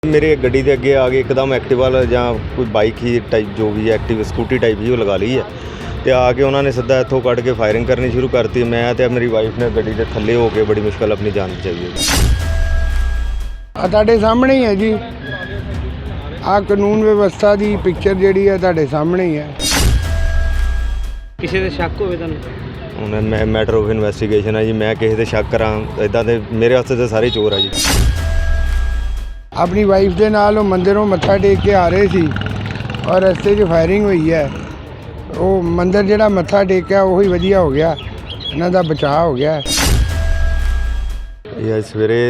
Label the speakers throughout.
Speaker 1: मेरे गड्डी के अगे आ गए एकदम एक्टिवा या कोई बाइक ही टाइप जो भी है एक्टिव स्कूटी टाइप ही वो लगा ली है तो आके उन्होंने सीधा इतों कट के फायरिंग करनी शुरू करती। मैं तो मेरी वाइफ ने गड्डी के थले हो के बड़ी मुश्किल अपनी जान बचाई है।
Speaker 2: ਤੁਹਾਡੇ ਸਾਹਮਣੇ ही है जी आ कानून व्यवस्था की पिक्चर जी है ਤੁਹਾਡੇ सामने ही है।
Speaker 3: ਕਿਸੇ ਦੇ ਸ਼ੱਕ ਹੋਵੇ ਤੁਹਾਨੂੰ?
Speaker 1: ਹੁਣ मैं मैटर ऑफ इन्वेस्टिगेशन है जी। मैं किसी से शक करा इदा तो मेरे वास्ते तो सारे चोर है जी।
Speaker 2: अपनी वाइफ के नाल वो मंदिरों मत्था टेक के आ रहे थे और रस्ते 'ਚ फायरिंग हुई है। वो मंदिर जिहड़ा मत्था टेकिया वही वधिया हो गया, इन्हां दा बचाव हो गया।
Speaker 1: यह सवेरे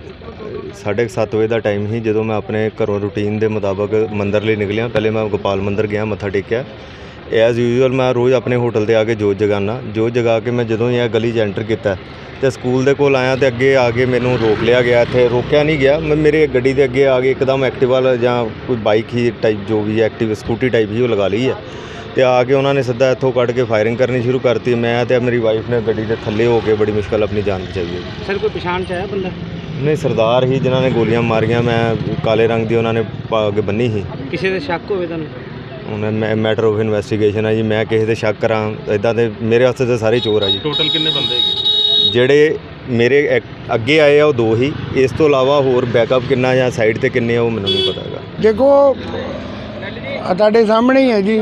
Speaker 1: 7:30 बजे का टाइम ही जो मैं अपने घरों रूटीन के मुताबिक मंदिर लिए निकलिया। पहले मैं गोपाल मंदिर गया मत्था टेकिया। एज़ यूजल मैं रोज़ अपने होटल से आके जोत जगाना। जोत जगा के मैं जो ही गली एंटर किया तो स्कूल के कोल आया तो अगे आके मैनू रोक लिया गया। इत्थे रोकया नहीं गया, मैं मेरे गड्डी के अगे आ गए एकदम एक्टिवा या कोई बाइक ही टाइप जो भी है एक्टिव स्कूटी टाइप ही वो लगा ली है तो आके उन्होंने सीधा इतों कट के फायरिंग करनी शुरू करती। मैं तो मेरी वाइफ ने गड्डी के थले हो के बड़ी मुश्किल अपनी जान बचाई है।
Speaker 3: सर कोई पछाण च आया बंदा?
Speaker 1: नहीं, सरदार ही जिन्होंने गोलियां मारियां। मैं काले रंग की उन्होंने पग बन्नी ही।
Speaker 3: ਕਿਸੇ ਦੇ ਸ਼ੱਕ होवे ਤੁਹਾਨੂੰ?
Speaker 1: ਹੁਣ मैं मैटर ऑफ इन्वेस्टिगेशन है जी। मैं किसी से शक करा इदा तो मेरे वास्ते तो सारे चोर है जी।
Speaker 4: टोटल कितने बंदे है?
Speaker 1: ਜਿਹੜੇ ਮੇਰੇ ਅੱਗੇ ਆਏ ਆ ਉਹ 2 ਹੀ। ਇਸ ਤੋਂ ਇਲਾਵਾ ਹੋਰ ਬੈਕਅਪ ਕਿੰਨਾ ਜਾਂ ਸਾਈਡ ਤੇ ਕਿੰਨੇ ਆ ਉਹ ਮੈਨੂੰ ਨਹੀਂ ਪਤਾ ਹੈਗਾ।
Speaker 2: देखो ਤੁਹਾਡੇ ਸਾਹਮਣੇ ही है जी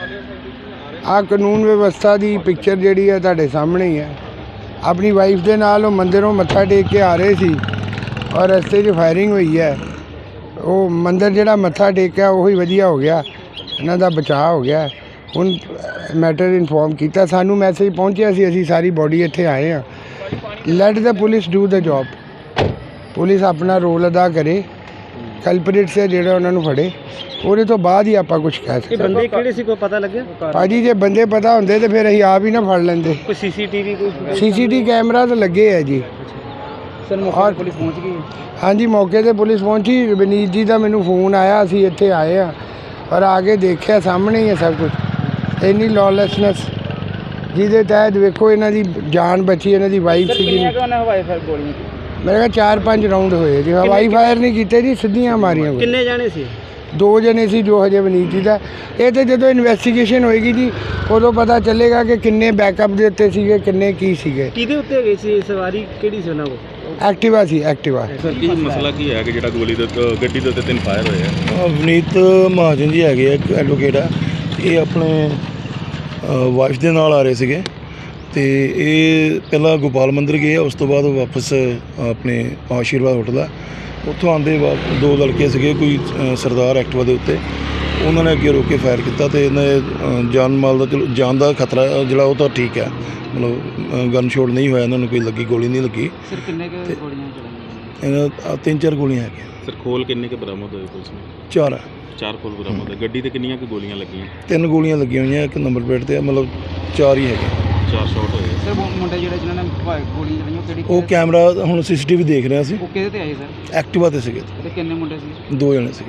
Speaker 2: आ कानून व्यवस्था की पिक्चर जी है ਤੁਹਾਡੇ सामने ही है। अपनी वाइफ के नाल वो मंदिरों मत्था टेक के आ रहे थे और रस्ते 'ਚ फायरिंग हुई है। वो मंदिर जिहड़ा मत्था टेकिया वही वधिया हो गया, इन्हां दा बचाव हो गया। हुण मैटर इनफॉर्म किया, सानू मैसेज पहुंचिया सी, असीं सारी बॉडी इत्थे आए हैं। Let the police do the job. Police अपना रोल अदा करे, कल्परेट्स है ਜਿਹੜੇ ਉਹਨਾਂ ਨੂੰ ਫੜੇ, ਉਹਦੇ ਤੋਂ ਬਾਅਦ ਹੀ ਆਪਾਂ ਕੁਝ ਕਹਿ
Speaker 3: ਇਹ
Speaker 2: ਸਕਦੇ।
Speaker 3: ਬੰਦੇ ਕਿਹੜੇ ਸੀ ਕੋਈ ਪਤਾ ਲੱਗਿਆ?
Speaker 2: ਭਾਜੀ ਜੇ ਬੰਦੇ ਪਤਾ ਹੁੰਦੇ ਤੇ ਫਿਰ ਅਸੀਂ ਆਪ ਹੀ ਨਾ ਫੜ ਲੈਂਦੇ।
Speaker 3: ਕੋਈ ਸੀਸੀਟੀਵੀ ਕੋਈ?
Speaker 2: ਸੀਸੀਟੀ ਕੈਮਰਾ ਤਾਂ ਲੱਗੇ ਹੈ ਜੀ।
Speaker 3: ਸਰ ਮੌਕੇ ਤੇ ਪੁਲਿਸ ਪਹੁੰਚ ਗਈ?
Speaker 2: ਹਾਂਜੀ ਮੌਕੇ ਤੇ ਪੁਲਿਸ ਪਹੁੰਚੀ। ਵਿਨੀਤ ਜੀ ਦਾ ਮੈਨੂੰ ਫੋਨ ਆਇਆ, ਅਸੀਂ ਇੱਥੇ ਆਏ ਆ ਔਰ ਆ ਕੇ ਦੇਖਿਆ ਸਾਹਮਣੇ ਹੀ ਹੈ ਸਭ ਕੁਝ। ਇੰਨੀ ਲੌਲੈਸਨੈਸ ਜਿਹਦੇ ਤਹਿਤ ਵੇਖੋ ਇਹਨਾਂ ਦੀ ਜਾਨ ਬਚੀ, ਇਹਨਾਂ ਦੀ ਵਾਈਫ ਸੀਗੀ।
Speaker 3: ਕਿੰਨੀਆਂ ਕੋਨੇ ਹਵਾਈ ਫਾਇਰ ਗੋਲੀਆਂ?
Speaker 2: ਮੇਰੇ ਕੋਲ 4-5 ਰਾਉਂਡ ਹੋਏ ਜੀ। ਹਵਾਈ ਫਾਇਰ ਨਹੀਂ ਕੀਤੇ ਜੀ, ਸਿੱਧੀਆਂ ਮਾਰੀਆਂ।
Speaker 3: ਕਿੰਨੇ ਜਾਣੇ ਸੀ?
Speaker 2: 2 ਜਣੇ ਸੀ ਜੋ ਹਜੇ ਵਿਨੀਤ ਜੀ ਦਾ। ਇਹ ਤੇ ਜਦੋਂ ਇਨਵੈਸਟੀਗੇਸ਼ਨ ਹੋਏਗੀ ਜੀ ਉਦੋਂ ਪਤਾ ਚੱਲੇਗਾ ਕਿ ਕਿੰਨੇ ਬੈਕਅਪ ਦੇ ਉੱਤੇ ਸੀਗੇ, ਕਿੰਨੇ ਕੀ ਸੀਗੇ।
Speaker 3: ਕਿਹਦੇ ਉੱਤੇ ਗਈ ਸੀ ਸਵਾਰੀ? ਕਿਹੜੀ ਸੀ ਉਹਨਾਂ ਕੋਲ?
Speaker 2: ਐਕਟਿਵਾ ਸੀ, ਐਕਟਿਵਾ।
Speaker 4: ਸਰ ਕੀ ਮਸਲਾ ਕੀ ਹੈ ਕਿ ਜਿਹੜਾ ਗੋਲੀ ਦੇ ਗੱਡੀ ਦੇ ਉੱਤੇ 3 ਫਾਇਰ ਹੋਏ ਆ?
Speaker 5: ਵਨੀਤ ਮਹਾਜਨ ਜੀ ਹੈਗੇ ਆ, ਇੱਕ ਐਡਵੋਕੇਟ ਆ। ਇਹ ਆਪਣੇ ਵਾਈਫ ਦੇ ਨਾਲ ਆ ਰਹੇ ਸੀਗੇ ਤੇ ਇਹ ਪਹਿਲਾਂ ਗੋਪਾਲ ਮੰਦਿਰ ਗਏ, ਉਸ ਤੋਂ ਬਾਅਦ ਵਾਪਸ ਆਪਣੇ ਆਸ਼ੀਰਵਾਦ ਹੋਟਲ ਆ। ਉੱਥੋਂ ਆਉਂਦੇ ਵਕਤ 2 ਲੜਕੇ ਸੀਗੇ, ਕੋਈ ਸਰਦਾਰ ਐਕਟਿਵਾ ਦੇ ਉੱਤੇ, ਉਹਨਾਂ ਨੇ ਅੱਗੇ ਰੋਕ ਕੇ ਫਾਇਰ ਕੀਤਾ ਤੇ ਇਹਨਾਂ ਜਾਨ ਮਾਲ ਦਾ ਚਲੋ ਜਾਨ ਦਾ ਖਤਰਾ ਜਿਹੜਾ ਉਹ ਤਾਂ ਠੀਕ ਹੈ, ਮਤਲਬ ਗਨ ਸ਼ੋਟ ਨਹੀਂ ਹੋਇਆ, ਇਹਨਾਂ ਨੂੰ ਕੋਈ ਲੱਗੀ ਗੋਲੀ ਨਹੀਂ ਲੱਗੀ।
Speaker 3: ਸਰ ਕਿੰਨੇ ਕੁ ਗੋਲੀਆਂ ਚਲਾਈਆਂ?
Speaker 5: ਇਹਨਾਂ 3-4 ਗੋਲੀਆਂ ਹੈਗੀਆਂ।
Speaker 4: ਸਰ ਖੋਲ ਕਿੰਨੇ ਕੇ ਬਰਾਮਦ ਹੋਏ ਪੁਲਿਸ ਨੂੰ?
Speaker 5: 4
Speaker 4: 4 ਖੋਲ ਬਰਾਮਦ ਹੈ। ਗੱਡੀ ਤੇ ਕਿੰਨੀਆਂ ਕੁ ਗੋਲੀਆਂ ਲੱਗੀਆਂ?
Speaker 5: 3 ਗੋਲੀਆਂ ਲੱਗੀਆਂ ਹੋਈਆਂ, ਇੱਕ ਨੰਬਰ ਪਲੇਟ ਤੇ ਆ, ਮਤਲਬ 4 ਹੀ ਹੈਗੇ।
Speaker 4: 4 ਸ਼ਾਟ ਹੋਏ।
Speaker 3: ਸਰ ਮੁੰਡੇ ਜਿਹੜੇ ਜਿਨ੍ਹਾਂ ਨੇ ਗੋਲੀਆਂ ਚਲਾਈਆਂ ਉਹ ਕਿਹੜੀ?
Speaker 5: ਉਹ ਕੈਮਰਾ ਹੁਣ CCTV ਦੇਖ ਰਹੇ ਸੀ।
Speaker 3: ਉਹ ਕਿਹਦੇ ਤੇ ਆਏ ਸਰ?
Speaker 5: ਐਕਟਿਵਾ ਤੇ ਸੀਗੇ,
Speaker 3: ਤੇ ਕਿੰਨੇ ਮੁੰਡੇ ਸੀ?
Speaker 5: 2 ਜਣੇ ਸੀ।